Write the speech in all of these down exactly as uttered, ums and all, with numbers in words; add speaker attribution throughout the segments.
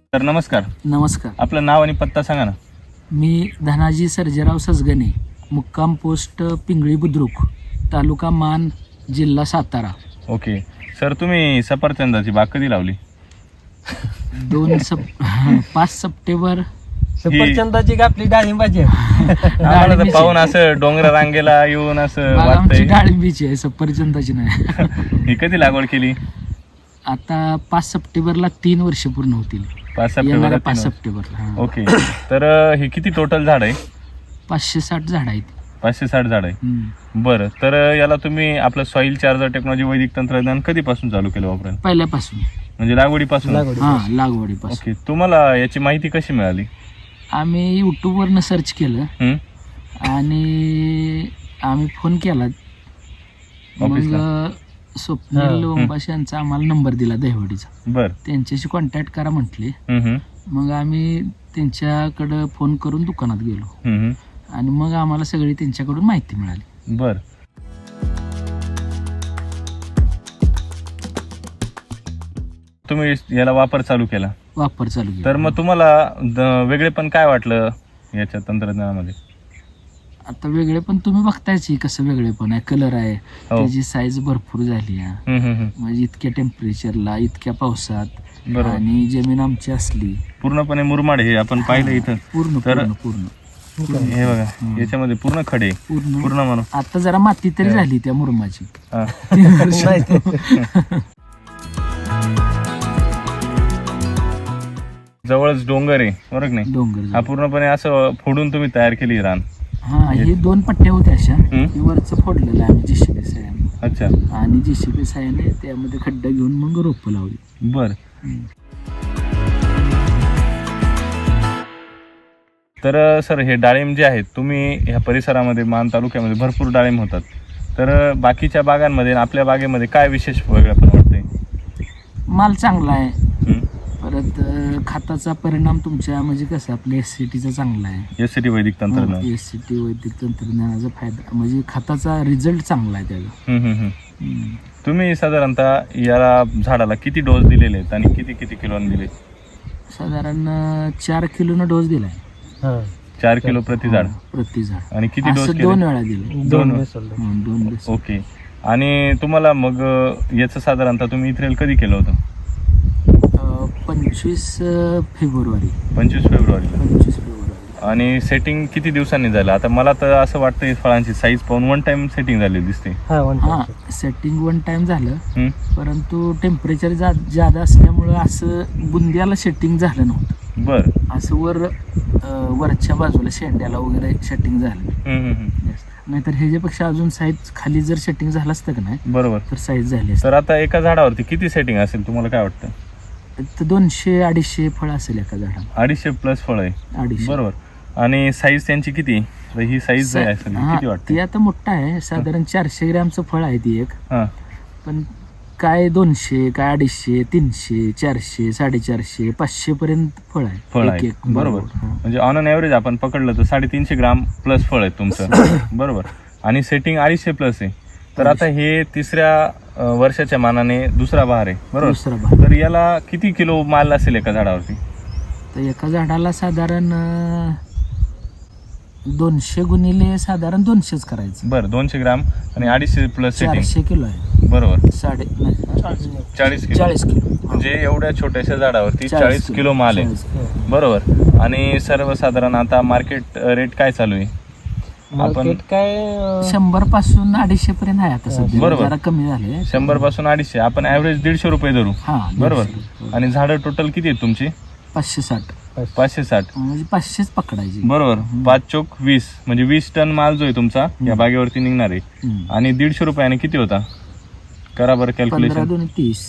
Speaker 1: तर नमस्कार.
Speaker 2: नमस्कार.
Speaker 1: आपलं नाव आणि पत्ता सांगा ना.
Speaker 2: मी धनाजी सर्जेराव सजगणे, मुक्काम पोस्ट पिंगळी बुद्रुक, तालुका मान, जिल्हा सातारा.
Speaker 1: ओके सर, तुम्ही सफरचंदाची बाग कधी लावली?
Speaker 2: दोन सप पाच सप्टेंबर.
Speaker 3: सफरचंदाची का आपली डाळिंबाची?
Speaker 1: आम्हाला तर पाहून असं डोंगर रांगेला येऊन असं
Speaker 2: बाग आमची
Speaker 1: वाटतंय.
Speaker 2: डाळिंबीची आहे, सफरचंदाची नाही.
Speaker 1: ही कधी लागवड केली?
Speaker 2: आता पाच सप्टेंबरला तीन वर्ष पूर्ण होतील.
Speaker 1: पाच
Speaker 2: येणाऱ्या
Speaker 1: सप्टेंबर
Speaker 2: पाच सप्टेंबरला. हा.
Speaker 1: ओके, तर हे किती टोटल झाड आहे?
Speaker 2: पाचशे साठ झाड आहेत.
Speaker 1: पाचशे साठ झाड आहे.
Speaker 2: हम्म.
Speaker 1: बरं, तर याला तुम्ही आपलं सॉईल चार्जर टेक्नॉलॉजी वैदिक तंत्रज्ञान कधीपासून चालू केलं वापरायला?
Speaker 2: पहिल्यापासून.
Speaker 1: म्हणजे लागवडीपासून?
Speaker 3: लागवडी.
Speaker 2: हा, लागवडीपासून.
Speaker 1: ओके, तुम्हाला याची माहिती कशी मिळाली?
Speaker 2: आम्ही यूट्यूबवरनं सर्च केलं
Speaker 1: हं?
Speaker 2: आणि आम्ही फोन केला.
Speaker 1: ऑफिसला?
Speaker 2: मग स्वप्नील लोंबाशी यांचा आम्हाला नंबर दिला दहिवडीचा.
Speaker 1: बर.
Speaker 2: त्यांच्याशी कॉन्टॅक्ट करा म्हटले.
Speaker 1: हं, हं.
Speaker 2: मग आम्ही त्यांच्याकडं फोन करून दुकानात गेलो
Speaker 1: हं, हं.
Speaker 2: आणि मग आम्हाला सगळी त्यांच्याकडून माहिती मिळाली.
Speaker 1: बर. तुम्ही याला वापर चालू केला,
Speaker 2: वापर चालू केला.
Speaker 1: तर मग तुम्हाला द- वेगळेपण काय वाटलं याच्या तंत्रज्ञानामध्ये?
Speaker 2: आता वेगळे पण तुम्ही बघतायच की कसं वेगळे पण आहे. कलर आहे,
Speaker 1: हो.
Speaker 2: त्याची साईज भरपूर झाली आहे.
Speaker 1: हं, हं, हं.
Speaker 2: म्हणजे इतक्या टेम्परेचरला, इतक्या पावसात,
Speaker 1: बरोबर.
Speaker 2: आणि जमीन आमची असली
Speaker 1: पूर्णपणे मुरमाड हे आपण पाहिलं इथं.
Speaker 2: पूर्ण
Speaker 1: तर-
Speaker 2: पूर्ण पूर्ण
Speaker 1: हे बघा, याच्यामध्ये पूर्ण खडे
Speaker 2: पूर्ण
Speaker 1: पूर्ण म्हणून.
Speaker 2: आता जरा माती तरी झाली त्या मुरमाची.
Speaker 1: हा. जवळच डोंगर आहे, बरोबर की नाही?
Speaker 2: डोंगर
Speaker 1: हा पूर्णपणे असं फोडून तुम्ही तयार केली ही रान.
Speaker 2: हा, हे दोन पट्ट्या होत्या अशा.
Speaker 1: हम्म.
Speaker 2: हे वरचं फोडलेलं आहे आम्ही जेसीबी साह्याने,
Speaker 1: अच्छा,
Speaker 2: आणि जेसीबी साह्याने त्यामध्ये खड्डा घेऊन मग रोपं लावली.
Speaker 1: बर.
Speaker 2: हम्म.
Speaker 1: तर सर, हे डाळिंब जे आहेत, तुम्ही ह्या परिसरामध्ये मान तालुक्यामध्ये भरपूर डाळिंब होतात, तर बाकीच्या बागांमध्ये आणि आपल्या बागेमध्ये काय विशेष वेगळं पण वाटतंय?
Speaker 2: माल चांगला आहे.
Speaker 1: हं?
Speaker 2: परत अं, खताचा परिणाम तुमच्या म्हणजे कसं आपल्या एस सी टीचा चांगला आहे.
Speaker 1: एस सी टी वैदिक तंत्रज्ञान.
Speaker 2: एस सी टी वैदिक तंत्रज्ञानाचा फायदा म्हणजे खताचा रिझल्ट चांगला आहे त्याचा.
Speaker 1: हं, हं, हं.
Speaker 2: हम्म.
Speaker 1: तुम्ही साधारणतः याला झाडाला किती डोस दिलेले आहेत आणि किती किती किलोने दिले?
Speaker 2: साधारण अं, चार किलोनं डोस दिलाय.
Speaker 3: हा.
Speaker 1: चार किलो प्रति झाड.
Speaker 2: प्रति झाड.
Speaker 1: आणि किती डोस
Speaker 2: असं
Speaker 1: केले?
Speaker 2: दोन वेळा दिले.
Speaker 1: दोन.
Speaker 3: वेळेस सोडलं.
Speaker 2: हं, दोन डोस.
Speaker 1: ओके. आणि तुम्हाला मग अं, याचं साधारणतः तुम्ही इथरेल कधी केलं होतं?
Speaker 2: अं, पंचवीस अं, फेब्रुवारी
Speaker 1: पंचवीस फेब्रुवारीला.
Speaker 2: पंचवीस फेब्रुवारी
Speaker 1: आणि सेटिंग किती दिवसांनी झालं? आता मला तर असं वाटतं फळांची साईज पाहून वन टाइम सेटिंग झाली दिसते.
Speaker 3: हा, वन
Speaker 2: हा,
Speaker 3: टाइम.
Speaker 2: सेटिंग वन टाइम झालं.
Speaker 1: हं?
Speaker 2: परंतु टेम्परेचर जा जादा असल्यामुळं असं बुंद्याला सेटिंग झालं नव्हतं.
Speaker 1: बर.
Speaker 2: असं वर अं, वरच्या बाजूला शेंड्याला वगैरे सेटिंग झालं.
Speaker 1: हं, हं, हं.
Speaker 2: नाहीतर ह्याच्यापेक्षा अजून साईज खाली जर सेटिंग झालं असतं का नाही,
Speaker 1: बरोबर.
Speaker 2: तर साईज झाली असती.
Speaker 1: तर आता एका झाडावरती किती सेटिंग असेल तुम्हाला काय वाटतं?
Speaker 2: तर दोनशे अडीचशे फळ असेल एका झाडाला.
Speaker 1: अडीचशे प्लस फळ आहे,
Speaker 2: अडीचशे.
Speaker 1: बरोबर. आणि साईज त्यांची किती? तर ही साईज
Speaker 2: सा-
Speaker 1: असेल
Speaker 2: हा,
Speaker 1: किती वाटते?
Speaker 2: ती आता मोठा आहे, साधारण चारशे ग्रॅमचं फळ आहे ती एक.
Speaker 1: हां,
Speaker 2: पण काय दोनशे, काय अडीचशे, तीनशे, चारशे, साडेचारशे, पाचशे पर्यंत फळ आहे.
Speaker 1: फळ
Speaker 2: एक-
Speaker 1: आहे,
Speaker 2: एक.
Speaker 1: बरोबर.
Speaker 2: हा.
Speaker 1: म्हणजे ऑन अन ॲव्हरेज आपण पकडलं तर साडेतीनशे ग्राम प्लस फळ आहे तुमचं, बरोबर. आणि सेटिंग अडीचशे प्लस आहे. तर आता हे तिसऱ्या अं, वर्षाच्या मानाने दुसरा बहार आहे, बरोबर.
Speaker 2: दुसरा भाग.
Speaker 1: तर याला किती किलो माल असेल एका झाडावरती?
Speaker 2: तर एका झाडाला साधारण अं, दोनशे गुणिले साधारण दोनशेच करायचं.
Speaker 1: बरं, दोनशे ग्राम आणि अडीचशे प्लस सेटिंग,
Speaker 2: चारशे किलो आहे.
Speaker 1: बरोबर.
Speaker 2: साडे नाही,
Speaker 1: चाळीस किलो.
Speaker 2: चाळीस किलो.
Speaker 1: म्हणजे एवढ्या छोट्याशा झाडावरती
Speaker 2: चाळीस
Speaker 1: चाळीस किलो माल आहे,
Speaker 2: चाळीस किलो.
Speaker 1: बरोबर. आणि सर्वसाधारण आता मार्केट रेट काय चालू आहे?
Speaker 3: मार्केट काय अं,
Speaker 2: शंभर पासून अडीचशे पर्यंत आहे आता सध्या.
Speaker 1: बरोबर.
Speaker 2: जरा कमी झाले.
Speaker 1: शंभर पासून अडीचशे, आपण ऍव्हरेज दीडशे रुपये धरू,
Speaker 2: हा,
Speaker 1: बरोबर.
Speaker 2: दीडशे.
Speaker 1: आणि झाडं टोटल किती आहेत तुमची?
Speaker 2: पाचशे साठ
Speaker 1: पाचशे साठ,
Speaker 2: म्हणजे पाचशेच पकडायची.
Speaker 1: बरोबर. पाच चोक वीस, म्हणजे वीस टन माल जो आहे तुमचा या बागेवरती निघणार आहे.
Speaker 2: हम्म.
Speaker 1: आणि दीडशे रुपयाने किती होता? करा बरं
Speaker 2: पंधरा
Speaker 1: कॅल्क्युलेशन.
Speaker 2: दोन तीस.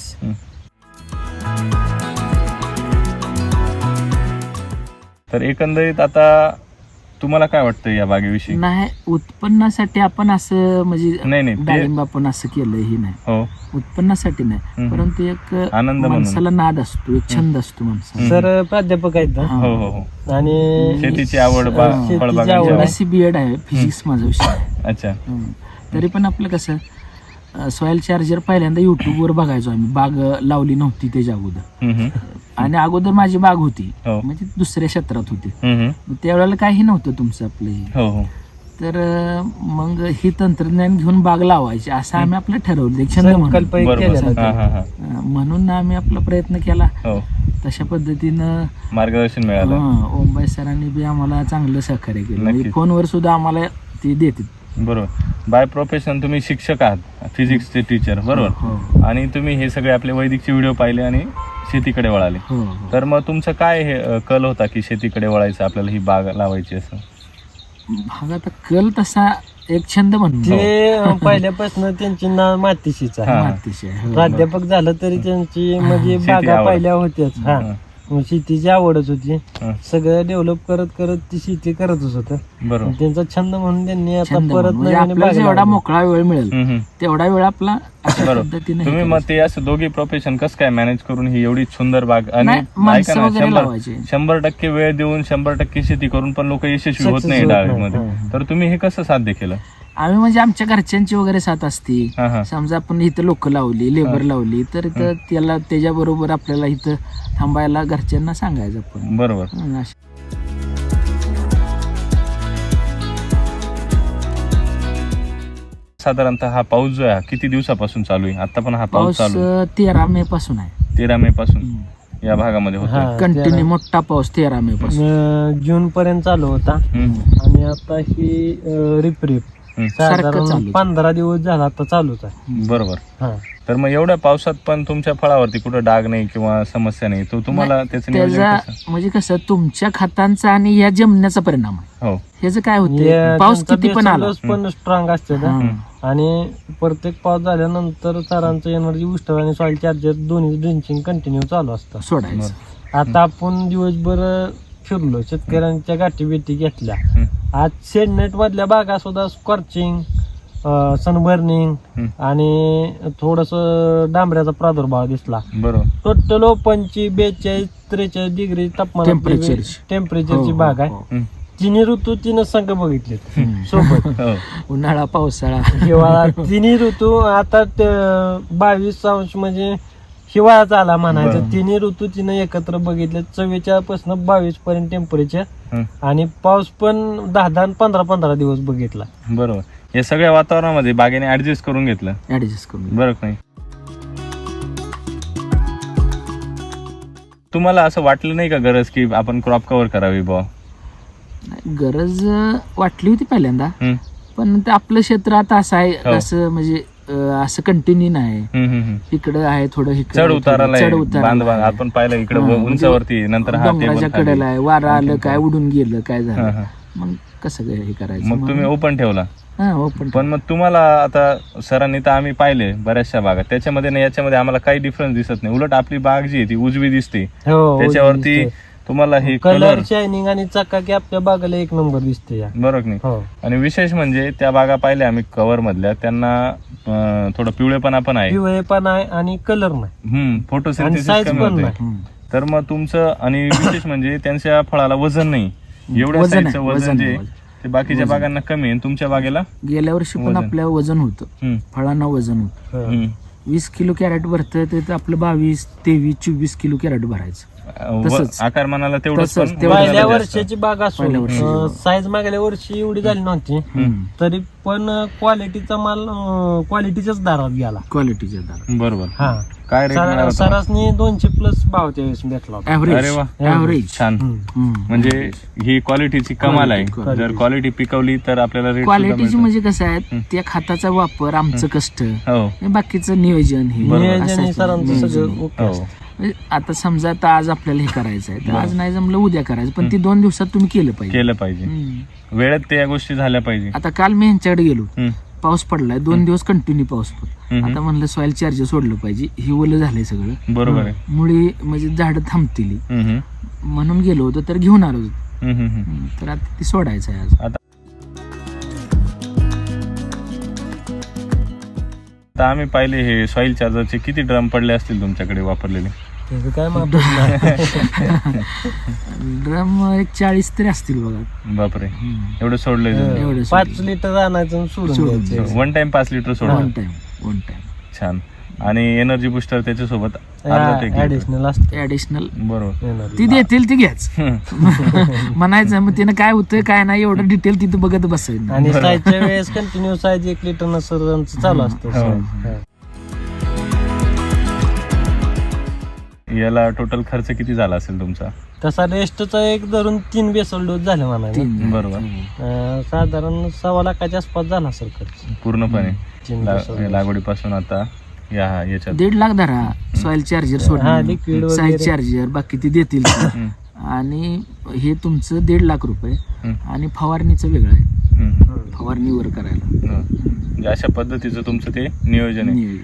Speaker 1: तर एकंदरीत आता तुम्हाला काय वाटतं या बागेविषयी?
Speaker 2: नाही, उत्पन्नासाठी आपण असं म्हणजे
Speaker 1: नाही नाही ते
Speaker 2: डाळिंब आपण असं केलं हे नाही,
Speaker 1: हो,
Speaker 2: उत्पन्नासाठी नाही.
Speaker 1: हम्म.
Speaker 2: परंतु एक
Speaker 1: आनंद म्हणून.
Speaker 2: माणसाला नाद असतो, एक छंद असतो माणसाला.
Speaker 3: सर प्राध्यापक आहेत ना.
Speaker 2: हा.
Speaker 1: हो हो हो.
Speaker 3: आणि
Speaker 1: शेतीची आवड, बा-
Speaker 2: हा.
Speaker 3: शेतीची
Speaker 1: फळबागांची
Speaker 3: आवड.
Speaker 1: आवड.
Speaker 2: एमएससी बी एड आहे, फिजिक्स माझा विषय आहे.
Speaker 1: अच्छा,
Speaker 2: हम्म. तरी पण आपलं कसं सॉइल चार्जर पहिल्यांदा युट्यूबवर बघायचो आम्ही. बाग अं, लावली नव्हती त्याच्या अगोदर,
Speaker 1: हम्म, हम्म.
Speaker 2: आणि अगोदर माझी बाग होती
Speaker 1: हो.
Speaker 2: म्हणजे दुसऱ्या क्षेत्रात होती.
Speaker 1: हम्म, हम्म.
Speaker 2: मग त्यावेळेला काही नव्हतं तुमचं आपलं हे.
Speaker 1: हो हो
Speaker 2: तर अं, मग ही तंत्रज्ञान घेऊन बाग लावायची असं आम्ही आपलं ठरवलं, एक छंद म्हणून.
Speaker 3: संकल्प एक
Speaker 1: बरोबर.
Speaker 3: केलेला
Speaker 1: हा
Speaker 3: होता.
Speaker 1: हा हा
Speaker 2: अं, म्हणून आम्ही आपला प्रयत्न केला.
Speaker 1: हो,
Speaker 2: तशा पद्धतीनं
Speaker 1: मार्गदर्शन मिळालं.
Speaker 2: हं, ओमबाई सरांनी बी आम्हाला चांगलं सहकार्य केलं. म्हणजे
Speaker 1: नक्कीच.
Speaker 2: फोनवर सुद्धा आम्हाला ते देतात.
Speaker 1: बरोबर. बाय प्रोफेशन तुम्ही शिक्षक आहात, फिजिक्सचे टीचर, बरोबर.
Speaker 2: हो
Speaker 1: आणि तुम्ही हे सगळे आपले वैदिकचे व्हिडिओ पाहिले आणि शेतीकडे वळाले.
Speaker 2: हो हो.
Speaker 1: तर मग तुमचं काय हे अ, कल होता की शेतीकडे वळायचं, आपल्याला ही बाग लावायची असं?
Speaker 2: भाग आता कल तसा एक छंद म्हणून
Speaker 3: ते अं, पहिल्यापासून त्यांची ना मातीशीच आहे.
Speaker 1: हा.
Speaker 2: मातीशी आहे. हो.
Speaker 3: प्राध्यापक झालं तरी त्यांची म्हणजे
Speaker 1: शेती
Speaker 3: बागा
Speaker 1: आवड.
Speaker 3: पहिल्या होत्याच. हा
Speaker 1: हं,
Speaker 3: मग शेतीची आवडच होती.
Speaker 1: हं.
Speaker 3: सगळं डेव्हलप करत करत ती शेती करतच होत.
Speaker 1: बरोबर.
Speaker 3: त्यांचा छंद म्हणून त्यांनी आता
Speaker 2: छंद
Speaker 3: परत
Speaker 2: म्हणून. म्हणजे
Speaker 3: नवीन
Speaker 2: आपल्याला
Speaker 3: बाग
Speaker 2: जेवढा
Speaker 3: लावली.
Speaker 2: मोकळा वेळ मिळेल
Speaker 1: हम्म, हम्म.
Speaker 2: तेवढा वेळ आपला अशा
Speaker 1: बरोबर.
Speaker 2: पद्धतीने हे
Speaker 1: तुम्ही मग
Speaker 2: करायचं.
Speaker 1: ते असं दोघी प्रोफेशन कसं काय मॅनेज करून ही एवढी सुंदर बाग आणि
Speaker 2: नाही, माणसं
Speaker 1: ऐका ना,
Speaker 2: वगैरे
Speaker 1: शंभर
Speaker 2: लावायचे.
Speaker 1: शंभर टक्के वेळ देऊन शंभर टक्के शेती करून पण लोक यशस्वी होत
Speaker 3: Success
Speaker 1: नाही
Speaker 3: होत नाही.
Speaker 1: डाळीमध्ये.
Speaker 3: हं.
Speaker 1: तर तुम्ही हे कसं साध्य केलं?
Speaker 2: आम्ही म्हणजे आमच्या घरच्यांची वगैरे साथ असते.
Speaker 1: हा हा
Speaker 2: समजा आपण इथं लोक लावली, लेबर लावली, तर इथं त्याला त्याच्याबरोबर आपल्याला इथं थांबायला घरच्यांना सांगायचं आपण.
Speaker 1: बरोबर.
Speaker 2: हं, अशा-
Speaker 1: साधारणतः हा पाऊस जो आहे हा किती दिवसापासून चालू आहे? आता पण हा पाऊस
Speaker 2: पाऊस
Speaker 1: चालू आहे
Speaker 2: अं, तेरा मे पासून आहे.
Speaker 1: तेरा मे पासून या भागामध्ये होतो.
Speaker 3: हा,
Speaker 2: कंटिन्यू
Speaker 3: तेरा-
Speaker 2: मोठा पाऊस तेरा मे पासून.
Speaker 3: अं, जून पर्यंत चालू होता आणि आता ही रिप रिप
Speaker 2: सारखं
Speaker 3: साधारण
Speaker 2: चालूच.
Speaker 3: पंधरा दिवस झाला आता चालूच आहे.
Speaker 1: बरोबर.
Speaker 3: हा
Speaker 1: तर मग एवढ्या पावसात पण तुमच्या फळावरती कुठं डाग नाही किंवा समस्या नाही, तो तुम्हाला त्याचं नियोजन
Speaker 2: त्याचा
Speaker 1: कसं?
Speaker 2: म्हणजे कसं तुमच्या खतांचा आणि या जमण्याचा परिणाम आहे.
Speaker 1: हो.
Speaker 2: ह्याचं काय
Speaker 3: हे
Speaker 2: होतं, पाऊस
Speaker 3: त्यांचा
Speaker 2: किती पण आला.
Speaker 3: बेसल डोस पण स्ट्रॉंग असते ना.
Speaker 2: हं.
Speaker 3: आणि प्रत्येक पाऊस झाल्यानंतर सरांचं एनर्जी बुस्टर आणि सॉइल चार्जर दोन्ही ड्रिंचिंग कंटिन्यू चालू असतं.
Speaker 2: सोडायचं.
Speaker 3: आता आपण दिवसभर फिरलो, शेतकऱ्यांच्या गाठी बेटी घेतल्या.
Speaker 1: हं.
Speaker 3: आज शेडनेट मधल्या बागा सुद्धा स्कॉर्चिंग, सनबर्निंग
Speaker 1: हं.
Speaker 3: आणि थोडस डांबऱ्याचा प्रादुर्भाव दिसला.
Speaker 1: बरोबर.
Speaker 3: टोटल ओपनची बेचाळीस त्रेचाळीस डिग्री तापमान
Speaker 2: टेम्परेचरची.
Speaker 3: टेम्परेचरची
Speaker 2: हो,
Speaker 3: बाग
Speaker 2: हो,
Speaker 3: आहे.
Speaker 2: हो.
Speaker 1: हं.
Speaker 3: तिन्ही ऋतू तिनं संघ बघितलेत
Speaker 2: हं.
Speaker 3: सोबत.
Speaker 1: हो.
Speaker 2: उन्हाळा पावसाळा
Speaker 3: हिवाळा तिन्ही ऋतू आता ते बावीस अंश म्हणजे हिवाळाच आला म्हणायचं.
Speaker 1: बरं.
Speaker 3: तिन्ही ऋतू तिनं एकत्र बघितले. चव्वेचाळीस पासून बावीस पर्यंत टेम्परेचर
Speaker 1: हं.
Speaker 3: आणि पाऊस पण दहा दहा आणि पंधरा पंधरा दिवस बघितला.
Speaker 1: बरोबर. या सगळ्या वातावरणामध्ये बागेने ऍडजस्ट करून घेतलं,
Speaker 2: ऍडजस्ट करून.
Speaker 1: बरं का नाही? तुम्हाला असं वाटलं नाही का गरज की आपण क्रॉप कव्हर करावी बुवा?
Speaker 2: गरज अं, वाटली होती पहिल्यांदा,
Speaker 1: हं.
Speaker 2: पण ते आपलं क्षेत्र आता असं आहे,
Speaker 1: हो.
Speaker 2: असं म्हणजे अं, असं कंटिन्यू नाही.
Speaker 1: हं, हं, हं.
Speaker 2: इकडं आहे थोडं, इकडं
Speaker 1: चढ
Speaker 2: आहे
Speaker 1: उताराला
Speaker 2: थोडं, चढ
Speaker 1: आहे,
Speaker 2: उताराला
Speaker 1: बांध बांध
Speaker 2: आहे.
Speaker 1: आपण पाहिलं इकडे
Speaker 2: हां, म्हणजे
Speaker 1: उंचावरती आहे, नंतर हा
Speaker 2: डोंगराच्या
Speaker 1: टेबल
Speaker 2: कडेला आहे, वारं आलं
Speaker 1: आणखीन
Speaker 2: काय, उडून गेलं काय
Speaker 1: हां,
Speaker 2: झालं,
Speaker 1: हां.
Speaker 2: मग कसं काय हे करायचं.
Speaker 1: मग तुम्ही ओपन ठेवला.
Speaker 2: हा ओपन.
Speaker 1: पण मग तुम्हाला आता सरांनी तर आम्ही पाहिले बऱ्याचशा बागा, त्याच्यामध्ये ना याच्यामध्ये आम्हाला काही डिफरन्स दिसत नाही. उलट आपली बाग जी आहे ती उजवी दिसते,
Speaker 3: हो,
Speaker 1: त्याच्यावरती तुम्हाला हे
Speaker 3: कलर
Speaker 1: कलर,
Speaker 3: शायनिंग आणि चकाकी आपल्या बागाला एक नंबर दिसते या.
Speaker 1: बरोबर नाही?
Speaker 3: हो
Speaker 1: आणि विशेष म्हणजे त्या बागा पाहिल्या आम्ही कव्हर मधल्या, त्यांना अं, थोडं पिवळेपणा पण आहे.
Speaker 3: पिवळे पण आहे आणि कलर नाही
Speaker 1: हम्म
Speaker 3: आणि
Speaker 1: फोटोसिंथेसिस
Speaker 3: साईज
Speaker 1: कमी
Speaker 3: पण
Speaker 1: होते.
Speaker 3: नाही.
Speaker 1: तर मग तुमचं आणि विशेष म्हणजे त्यांच्या फळाला वजन नाही. एवढ्या
Speaker 2: वजन आहे,
Speaker 1: साईजचं वजन
Speaker 2: वजन
Speaker 1: जे
Speaker 2: आहे,
Speaker 1: आहे,
Speaker 2: वजन.
Speaker 1: ते बाकीच्या बागांना कमी आहे आणि तुमच्या बागेला
Speaker 2: गेल्या वर्षी पण
Speaker 1: वजन.
Speaker 2: आपल्या वजन होतं,
Speaker 1: हम्म,
Speaker 2: फळांना वजन होतं.
Speaker 3: हो.
Speaker 1: हम्म.
Speaker 2: वीस किलो कॅरेट भरतं तर आपलं बावीस तेवीस चोवीस किलो कॅरेट भरायचं.
Speaker 1: व-
Speaker 2: तसंच.
Speaker 1: आकारमानाला तेवढंच
Speaker 2: तसंच,
Speaker 1: पण
Speaker 2: तेवढंच.
Speaker 3: पहिल्या
Speaker 1: वजनाला
Speaker 3: वर्षाची बाग
Speaker 2: पहिल्या वर्षी.
Speaker 3: असून साईज मागल्या वर्षी एवढी झाली नव्हती,
Speaker 2: हम्म.
Speaker 3: तरी पण क्वालिटीचा माल क्वालिटीच्याच दारात गेला.
Speaker 2: क्वालिटीच्या दार
Speaker 1: जास्त. बरोबर.
Speaker 3: हा
Speaker 1: काय रेट मिळाला होता?
Speaker 3: सरासनी दोनशे प्लस भाव त्यावेळेस भेटला होता.
Speaker 2: ऍव्हरेज.
Speaker 1: अरे वा.
Speaker 2: ऍव्हरेज.
Speaker 1: छान.
Speaker 3: हम्म.
Speaker 1: म्हणजे ही क्वालिटीची कमाल आहे.
Speaker 2: Quality,
Speaker 1: जर क्वालिटी पिकवली तर आपल्याला रेट
Speaker 2: क्वालिटीची म्हणजे कसं आहे, त्या खताचा वापर, आमचं कष्ट,
Speaker 1: हो
Speaker 2: हे बाकीचं नियोजन हे
Speaker 1: बरोबर.
Speaker 3: नियोजन
Speaker 2: असं
Speaker 3: हे
Speaker 2: आहे.
Speaker 3: सरांचं
Speaker 2: नियोजन.
Speaker 3: सगळं ओके
Speaker 1: हो
Speaker 3: असतं.
Speaker 2: म्हणजे आता समजा आता आज आपल्याला हे करायचं आहे, तर आज नाही जमलं उद्या करायचं, पण ते दोन दिवसात तुम्ही केलं पाहिजे.
Speaker 1: केलं पाहिजे,
Speaker 2: हम्म.
Speaker 1: वेळेत त्या गोष्टी झाल्या पाहिजे.
Speaker 2: आता काल मी यांच्याकडे गेलो,
Speaker 1: हम्म,
Speaker 2: पाऊस पडलाय दोन दिवस कंटिन्यू पाऊस पडला.
Speaker 1: हम्म.
Speaker 2: आता म्हणलं सॉइल चार्जर सोडलं पाहिजे, ही ओलं झालंय सगळं,
Speaker 1: बरोबर आहे.
Speaker 2: मुळी म्हणजे झाडं थांबतील
Speaker 1: हम्म, हम्म,
Speaker 2: म्हणून गेलो होतो, तर घेऊन आलो होतो.
Speaker 1: हम्म, हम्म, हम्म.
Speaker 2: हम्म, तर आता ती सोडायचं आहे आज.
Speaker 1: आता आता आम्ही पाहिले हे सॉइल चार्जरचे किती ड्रम पडले असतील तुमच्याकडे वापरलेले?
Speaker 3: त्याचं काय माप नाही.
Speaker 2: ड्रम एक चाळीस तरी असतील बघा.
Speaker 1: बापरे,
Speaker 2: हम्म.
Speaker 1: एवढं सोडलंय तुम्ही?
Speaker 2: एवढं
Speaker 3: पाच
Speaker 2: सोडलं.
Speaker 3: लिटर आणायचं आणि सोडून
Speaker 2: सोडून
Speaker 3: द्यायचं.
Speaker 1: वन टाइम पाच लिटर सोडलं.
Speaker 2: One time. वन टाइम
Speaker 1: छान. आणि एनर्जी बुस्टर त्याच्यासोबत अर्धा take घेतो.
Speaker 3: ऍडिशनल असते
Speaker 2: ऍडिशनल
Speaker 1: बरोबर.
Speaker 3: energy.
Speaker 2: ती देतील ती घ्याच म्हणायचं मग तिनं काय होतंय काय नाही एवढं डिटेल तिथं बघत बसायचं.
Speaker 3: आणि साईजच्या वेळेस कंटिन्यू साईज एक लिटर नसर चालू असतं
Speaker 1: हो.
Speaker 3: size. हा.
Speaker 1: याला टोटल खर्च किती झाला असेल तुमचा?
Speaker 3: तसा रेस्टचा एक धरून तीन बेसल डोस झाले म्हणाले.
Speaker 2: तीन
Speaker 1: बरोबर.
Speaker 3: अं, साधारण सव्वा लाखाच्या आसपास झाला सर खर्च
Speaker 1: पूर्णपणे
Speaker 3: तीन
Speaker 1: ला-
Speaker 3: बेसल डोस.
Speaker 1: लागवडीपासून आता या याच्यात
Speaker 2: दीड लाख धरा सॉइल चार्जर
Speaker 3: हा,
Speaker 2: सोडणं
Speaker 3: liquid
Speaker 2: साईज
Speaker 3: वगैरे.
Speaker 2: चार्जर बाकी ते देतील ते.
Speaker 1: हम्म,
Speaker 2: आणि हे तुमचं दीड लाख रुपये
Speaker 1: हम्म,
Speaker 2: आणि फवारणीचं वेगळं आहे
Speaker 1: हम्म,
Speaker 3: हम्म.
Speaker 2: फवारणीवर करायला
Speaker 1: हम्म. म्हणजे अशा पद्धतीचं तुमचं ते नियोजन आहे.
Speaker 2: नियोजन.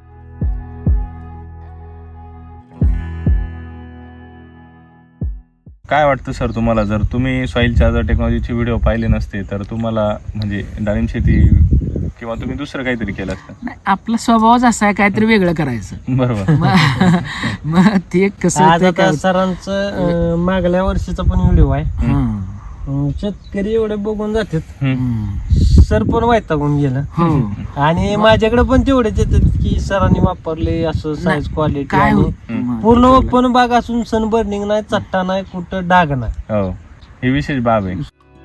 Speaker 1: काय वाटतं सर तुम्हाला, जर तुम्ही सॉइल चार्जर टेक्नॉलॉजीचे व्हिडिओ पाहिले नसते तर तुम्हाला म्हणजे डाळिंब शेती किंवा तुम्ही दुसरं काहीतरी केलं असतं?
Speaker 2: नाही, आपला स्वभावच असा आहे काहीतरी वेगळं करायचं.
Speaker 1: बरोबर.
Speaker 2: मग मग ते कसं
Speaker 3: आज
Speaker 2: होतंय
Speaker 3: आता
Speaker 2: काय-
Speaker 3: सरांचं अं, मागल्या वर्षीचा पण व्हिडिओ आहे.
Speaker 2: हं.
Speaker 3: अं, शेतकरी एवढे बघून जातात
Speaker 1: हम्म.
Speaker 2: हं.
Speaker 3: सर पण वैतागून गेलं.
Speaker 2: हो
Speaker 3: आणि माझ्याकडे पण तेवढेच येतात की सरांनी वापरले असं साईज क्वालिटी
Speaker 2: काय
Speaker 3: आणि
Speaker 2: होत मग
Speaker 3: पूर्ण
Speaker 2: ते
Speaker 3: ओपन बाग असून सन बर्निंग नाही, चट्टा नाही, कुठं डाग नाही.
Speaker 1: हो, ही विशेष बाब आहे.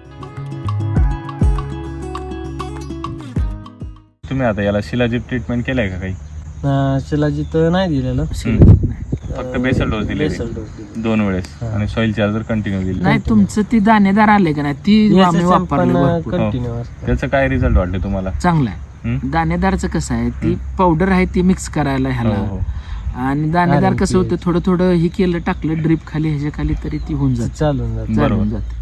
Speaker 1: तुम्ही आता याला शिलाजीत ट्रीटमेंट केलंय का काही?
Speaker 3: अं, शिलाजीत नाही दिलेलं,
Speaker 1: फक्त बेसल डोस दिले
Speaker 3: बेसल डोस दिले.
Speaker 1: दोन वेळेस
Speaker 3: हा.
Speaker 1: आणि सॉइल चार्जर कंटिन्यू दिले.
Speaker 2: नाही तुमचं ती दाणेदार आले का नाही ती आम्ही
Speaker 3: SSM
Speaker 2: वापरले
Speaker 3: पण
Speaker 2: भरपूर.
Speaker 3: कंटिन्यू असतं.
Speaker 1: त्याचं काय रिझल्ट वाटले तुम्हाला?
Speaker 2: चांगलं आहे.
Speaker 1: हम्म?
Speaker 2: दाणेदारचं कसं आहे ती पावडर आहे ती मिक्स करायला
Speaker 1: हो,
Speaker 2: ह्याला
Speaker 1: हो.
Speaker 2: आणि दाणेदार
Speaker 3: अरे
Speaker 2: कसं
Speaker 3: ते-
Speaker 2: होतं थोडं थोडं हे केलं टाकलं ड्रीप खाली ह्याच्या खाली तरी ती होऊन जाते
Speaker 3: चालून जात.
Speaker 1: बरोबर.
Speaker 2: चालून जाते.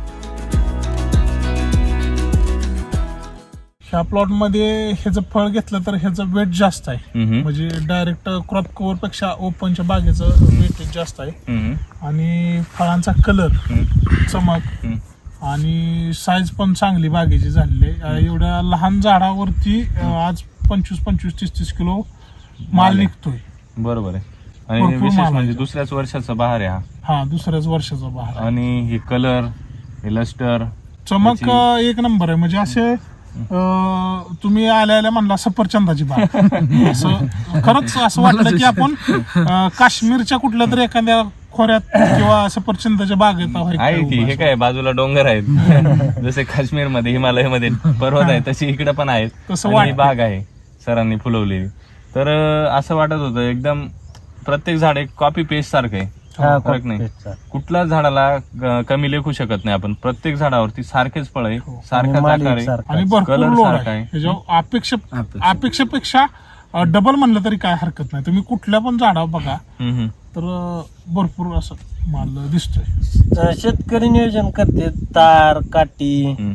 Speaker 4: ह्या प्लॉट मध्ये ह्याचं फळ घेतलं तर ह्याचं वेट जास्त आहे.
Speaker 1: हम्म,
Speaker 4: म्हणजे डायरेक्ट क्रॉप कव्हर पेक्षा ओपनच्या बागेचं वेटेज जास्त आहे.
Speaker 1: हम्म,
Speaker 4: आणि फळांचा कलर,
Speaker 1: हम्म,
Speaker 4: चमक
Speaker 1: हम्म.
Speaker 4: आणि साईज पण चांगली बागेची झालेली आहे. एवढ्या लहान झाडावरती अं, आज पंचवीस पंचवीस तीस तीस किलो माल
Speaker 1: माल आहे.
Speaker 4: निघतोय.
Speaker 1: बरोबर आहे. आणि
Speaker 4: भरपूर
Speaker 1: विशेष
Speaker 4: माल
Speaker 1: म्हणजे
Speaker 4: आहे.
Speaker 1: दुसऱ्याच वर्षाचा बहार आहे हा.
Speaker 4: हा दुसऱ्याच वर्षाचा बहार आहे.
Speaker 1: आणि हे कलर, हे लस्टर,
Speaker 4: चमक
Speaker 1: त्याची-
Speaker 4: अं, एक नंबर आहे. म्हणजे असे अं, तुम्ही आल्या आल्या म्हणला सफरचंदाची बाग असं खरंच असं वाटलं की आपण अं, काश्मीरच्या कुठल्या तरी एखाद्या खोऱ्यात किंवा सफरचंदाच्या बागेत आहोत
Speaker 1: आहे
Speaker 4: काय
Speaker 1: की
Speaker 4: उभा
Speaker 1: हे
Speaker 4: असं.
Speaker 1: काय बाजूला डोंगर आहेत जसे काश्मीर मध्ये हिमालय मध्ये पर्वत आहे तशी इकडे पण आहेत.
Speaker 4: तसं
Speaker 1: आणि ही
Speaker 4: वाटतं.
Speaker 1: बाग आहे सरांनी फुलवलेली. तर अं, असं वाटत होतं एकदम प्रत्येक झाड एक कॉपी पेस्ट सारखं आहे.
Speaker 3: हा,
Speaker 1: फरक नाही.
Speaker 3: कॉपीपेस्टचा.
Speaker 1: कुठल्याच झाडाला ग- कमी लेखू शकत नाही आपण. प्रत्येक झाडावरती सारखेच फळ आहे,
Speaker 4: हो.
Speaker 1: सारखाच
Speaker 3: आणि माल
Speaker 1: आकार आहे.
Speaker 3: एकसारखा.
Speaker 4: आणि भरपूर
Speaker 1: कलर
Speaker 4: लोड
Speaker 1: सारखा
Speaker 4: आहे
Speaker 1: आहे.
Speaker 4: ह्याच्यावर अपेक्षा
Speaker 2: अपेक्षा.
Speaker 4: अपेक्षेपेक्षा डबल म्हणलं तरी काय हरकत नाही. तुम्ही कुठल्या पण झाडावर बघा
Speaker 1: हम्म, हम्म.
Speaker 4: तर अं, भरपूर असं माल दिसतोय.
Speaker 3: अं, शेतकरी नियोजन करते तार काठी
Speaker 1: हम्म,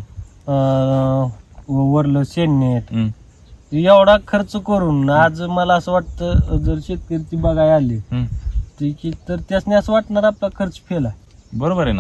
Speaker 3: अं, वरलं शेणनेट
Speaker 1: हम्म,
Speaker 3: एवढा खर्च करून आज मला असं वाटतं जर शेतकरी बघायला आले
Speaker 1: हम्म.
Speaker 3: ते की तर त्यासने असं वाटणार आपला खर्च फेल आहे.
Speaker 1: बरोबर आहे ना.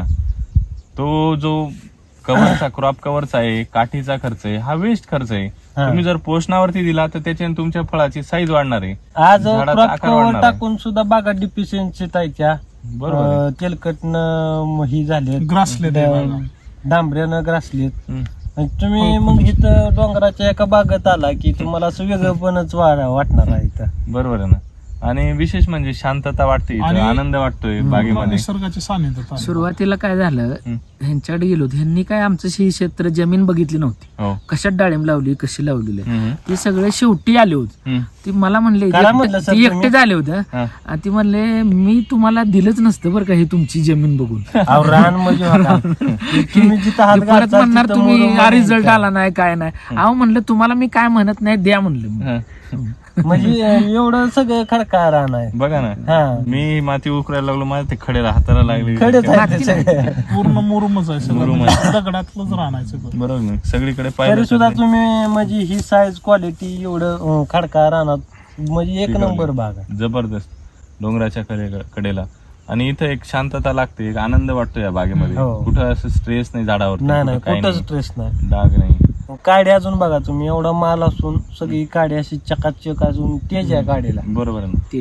Speaker 1: तो जो कव्हरचा क्रॉप कव्हरचा आहे, काठीचा खर्च आहे, हा वेस्ट खर्च आहे.
Speaker 3: हा.
Speaker 1: तुम्ही जर पोषणावरती दिला तर त्याच्याने तुमच्या फळाची साईज वाढणार आहे.
Speaker 3: आज
Speaker 1: झाडाचा
Speaker 3: क्रॉप
Speaker 1: आकार
Speaker 3: कव्हर
Speaker 1: वाढणार आहे.
Speaker 3: टाकून सुद्धा बागा डिफिशियन्सी त्या
Speaker 1: बरोबर आहे.
Speaker 3: तेलकटनं ही झाले
Speaker 4: ग्रासले ते बागा.
Speaker 3: डांबऱ्यानं ग्रासलेत.
Speaker 1: हम्म.
Speaker 3: आणि तुम्ही मग इथं डोंगराच्या एका बागेत आला की तुम्हाला असं वेगळंपणच वा- वाटणार आहे इथं.
Speaker 1: बरोबर आहे ना. आणि विशेष म्हणजे शांतता वाटते इथं,
Speaker 4: आणि-
Speaker 1: आनंद वाटतोय बागेमध्ये.
Speaker 4: निसर्गाच्या सानिध्यात आलं.
Speaker 2: सुरुवातीला काय झालं
Speaker 1: हम्म.
Speaker 2: ह्यांच्याकडे गेलो होतो ह्यांनी काय आमचं ही क्षेत्र जमीन बघितली नव्हती
Speaker 1: हो.
Speaker 2: कशात डाळिंब लावली कशी लावलेली आहे.
Speaker 1: हम्म,
Speaker 2: ते सगळे शेवटी आले होते.
Speaker 1: हम्म.
Speaker 2: ती मला म्हणले
Speaker 3: करा म्हटलं सर
Speaker 2: ती
Speaker 3: तुम्ही.
Speaker 2: एकटे झाले होते
Speaker 1: हा.
Speaker 2: आणि ती म्हणले मी तुम्हाला दिलंच नसतं बरं का हे तुमची जमीन बघून.
Speaker 3: अहो, रान म्हणजे होता. तुम्ही जिथं हात
Speaker 2: ते परत
Speaker 3: घालता
Speaker 2: म्हणणार
Speaker 3: तिथं
Speaker 2: तुम्ही
Speaker 3: मुरुम
Speaker 2: हा रिझल्ट
Speaker 3: आहे.
Speaker 2: आला नाही काय नाही. अहो म्हणलं तुम्हाला मी काय म्हणत नाही द्या म्हणलं मी.
Speaker 1: हा.
Speaker 3: म्हणजे एवढं सगळं खडका रान आहे.
Speaker 1: बघा ना,
Speaker 3: हा
Speaker 1: मी माती उकरायला लागलो, माझ्या ते खडे हाताला लागले.
Speaker 3: खडेच आहे ते सगळे.
Speaker 4: पूर्ण मुरुमच आहे सगळं.
Speaker 1: मुरुम
Speaker 4: म्हणजे दगडातलंच राहण्याचं.
Speaker 1: बरोबर ना. सगळीकडे
Speaker 3: तरी
Speaker 1: पाहिलं
Speaker 3: सुद्धा
Speaker 1: तर
Speaker 3: तुम्ही म्हणजे ही साईज क्वालिटी एवढं अं, खडका रानात म्हणजे एक
Speaker 1: पिकवली.
Speaker 3: नंबर बाग आहे.
Speaker 1: जबरदस्त डोंगराच्या कडे- कडेला. आणि इथं एक शांतता लागते, एक आनंद वाटतो या बागेमध्ये.
Speaker 3: हो.
Speaker 1: कुठं असं स्ट्रेस नाही झाडावर,
Speaker 3: नाही नाही कुठंच स्ट्रेस नाही.
Speaker 1: डाग नाही.
Speaker 3: काडी अजून बघा तुम्ही एवढा माल असून सगळी काडी अशी चकाचक अजून तेज आहे काडीला.
Speaker 1: बरोबर आहे ना.
Speaker 2: ते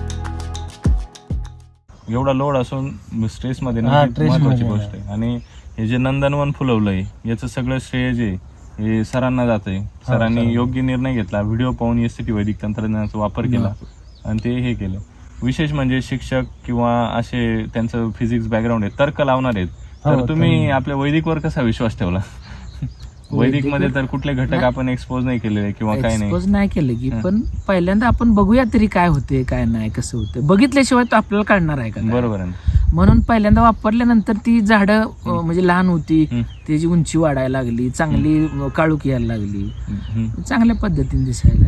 Speaker 1: एवढा लोड असून स्ट्रेस मध्ये
Speaker 3: हा,
Speaker 1: नाही, ही
Speaker 3: stress
Speaker 1: महत्वाची
Speaker 3: मध्ये
Speaker 1: गोष्ट आहे. आणि हे जे नंदनवन फुलवलंय याचं सगळं श्रेय जे हे सरांना जातंय. सरांनी योग्य निर्णय घेतला, व्हिडिओ पाहून एस टी वैदिक तंत्रज्ञानाचा वापर केला आणि ते हे केलं. विशेष म्हणजे शिक्षक किंवा असे त्यांचं फिजिक्स बॅकग्राऊंड आहे, तर्क लावणार आहेत, तर तुम्ही आपल्या वैदिकवर कसा विश्वास ठेवला? वैदिक मध्ये तर कुठले घटक आपण एक्सपोज नाही केलेले किंवा काय नाही
Speaker 2: एक्सपोज नाही केलं की, पण पहिल्यांदा आपण बघूया तरी काय होते काय नाही, कसं होतं. बघितल्याशिवाय तो आपल्याला कळणार आहे का?
Speaker 1: बरोबर आहे.
Speaker 2: म्हणून पहिल्यांदा वापरल्यानंतर ती झाडं अं, म्हणजे लहान होती, त्याची उंची वाढायला लागली, चांगली काळुकी यायला लागली, चांगल्या पद्धतीने दिसायला.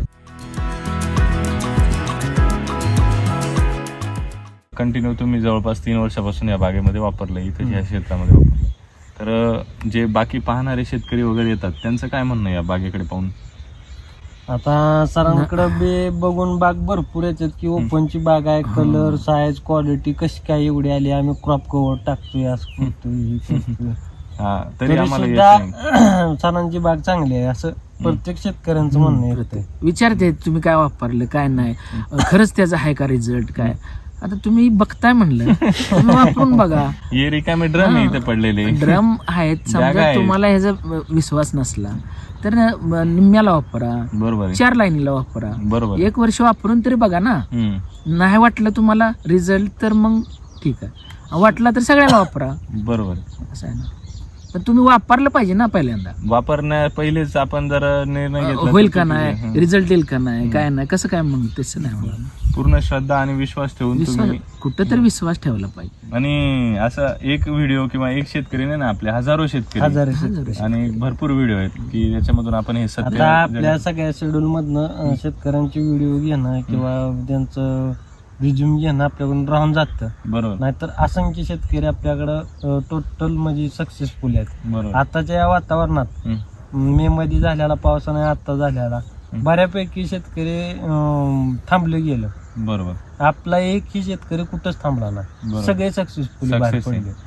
Speaker 1: कंटिन्यू तुम्ही जवळपास तीन वर्षापासून या बागेमध्ये वापरलं, इथं या क्षेत्रामध्ये वापरलं. तर जे बाकी पाहणारे शेतकरी वगैरे येतात त्यांचं काय म्हणणं या बागेकडे पाहून?
Speaker 3: आता सरांकडे बे बघून बाग भरपूर येतात की ओपनची बाग आहे, कलर साईज क्वालिटी कशी काय एवढी आली, आम्ही क्रॉप कव्हर टाकतोय असं करतोय हे करतोय.
Speaker 1: हा तरी
Speaker 3: तरी
Speaker 1: आम्हाला
Speaker 3: सुद्धा
Speaker 1: येत नाही.
Speaker 3: सरांची बाग चांगली आहे असं प्रत्येक शेतकऱ्यांचं म्हणणं येतं.
Speaker 2: विचारते तुम्ही काय वापरलं काय नाही, खरंच त्याचा आहे का रिझल्ट काय. आता तुम्ही बघताय म्हणलं, तुम्ही वापरून बघा.
Speaker 1: हे रिकामे ड्रम इथे पडलेले
Speaker 2: ड्रम आहेत,
Speaker 1: जागा
Speaker 2: समजा
Speaker 1: आहे.
Speaker 2: तुम्हाला ह्याचा विश्वास नसला तर निम्म्याला वापरा,
Speaker 1: बरोबर आहे.
Speaker 2: चार लाईनीला वापरा,
Speaker 1: बरोबर.
Speaker 2: एक वर्ष वापरून तरी बघा ना.
Speaker 1: हम्म.
Speaker 2: नाही वाटलं तुम्हाला रिझल्ट तर मग ठीक आहे, वाटला तर सगळ्याला वापरा,
Speaker 1: बरोबर.
Speaker 2: असं आहे ना. पण तुम्ही वापरलं पाहिजे ना पहिल्यांदा,
Speaker 1: वापरण्या पहिलेच आपण जर निर्णय घेतला
Speaker 2: होईल
Speaker 1: तर
Speaker 2: का
Speaker 1: चुकीचं
Speaker 2: नाही,
Speaker 1: आहे.
Speaker 2: रिझल्ट येईल का नाही, काय नाही, कसं काय, मग तसं नाही मला.
Speaker 1: पूर्ण श्रद्धा आणि विश्वास ठेवून
Speaker 2: विश्वास
Speaker 1: तुम्ही,
Speaker 2: कुठं तरी विश्वास ठेवला पाहिजे.
Speaker 1: आणि असं एक व्हिडिओ किंवा एक शेतकरी नाही ना, आपले हजारो शेतकरी
Speaker 3: हजार
Speaker 1: आणि भरपूर व्हिडिओ आहेत की ज्याच्यामधून आपण हे सत्य
Speaker 3: आता आपल्या सगळ्या शेड्यूल मधनं शेतकऱ्यांचे व्हिडिओ घेणं किंवा त्यांचं रिझ्यूम घेणं आपल्याकडून राहून जातं.
Speaker 1: बरोबर
Speaker 3: नाहीतर असंख्य शेतकरी आपल्याकडं टोटल म्हणजे सक्सेसफुल आहेत.
Speaker 1: बरोबर.
Speaker 3: आताच्या या वातावरणात मे मध्ये झालेला पावसाने आता झालेला बऱ्यापैकी शेतकरी अं, थांबले गेलं.
Speaker 1: बरोबर.
Speaker 3: आपला एकही शेतकरी कुठंच थांबला नाही,
Speaker 1: बरोबर.
Speaker 3: सगळे सक्सेसफुल बाहेर
Speaker 1: Success आहे.
Speaker 3: पडले.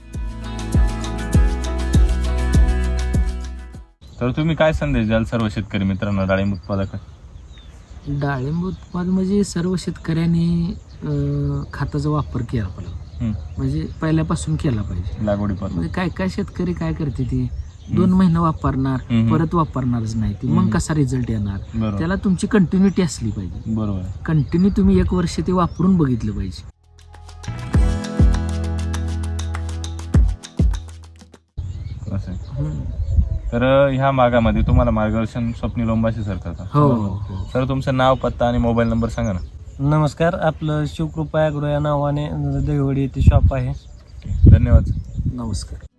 Speaker 1: तर तुम्ही काय संदेश द्याल सर्व शेतकरी मित्रांना, डाळिंब उत्पादक?
Speaker 2: डाळिंब उत्पादन म्हणजे सर्व शेतकऱ्यांनी अं, खताचा वापर केला पाहिजे, म्हणजे पहिल्यापासून केला पाहिजे.
Speaker 1: लागवडीपासून
Speaker 2: म्हणजे काय काय शेतकरी काय करते ती दोन महिने वापरणार,
Speaker 1: हम्म.
Speaker 2: परत वापरणारच नाही ती, मग कसा रिझल्ट येणार.
Speaker 1: बरोबर.
Speaker 2: त्याला तुमची कंटिन्युटी असली पाहिजे.
Speaker 1: बरोबर.
Speaker 2: कंटिन्यू तुम्ही एक वर्ष ते वापरून बघितलं पाहिजे.
Speaker 1: असं आहे. तर ह्या भागामध्ये तुम्हाला मार्गदर्शन स्वप्नील लोंबाशी सर करतात.
Speaker 2: हो हो.
Speaker 1: सर तुमचं नाव, पत्ता आणि मोबाईल नंबर सांगा ना.
Speaker 3: नमस्कार, आपलं शिवकृपा ॲग्रो या नावाने दहिवडी येथे शॉप आहे.
Speaker 1: धन्यवाद.
Speaker 2: नमस्कार.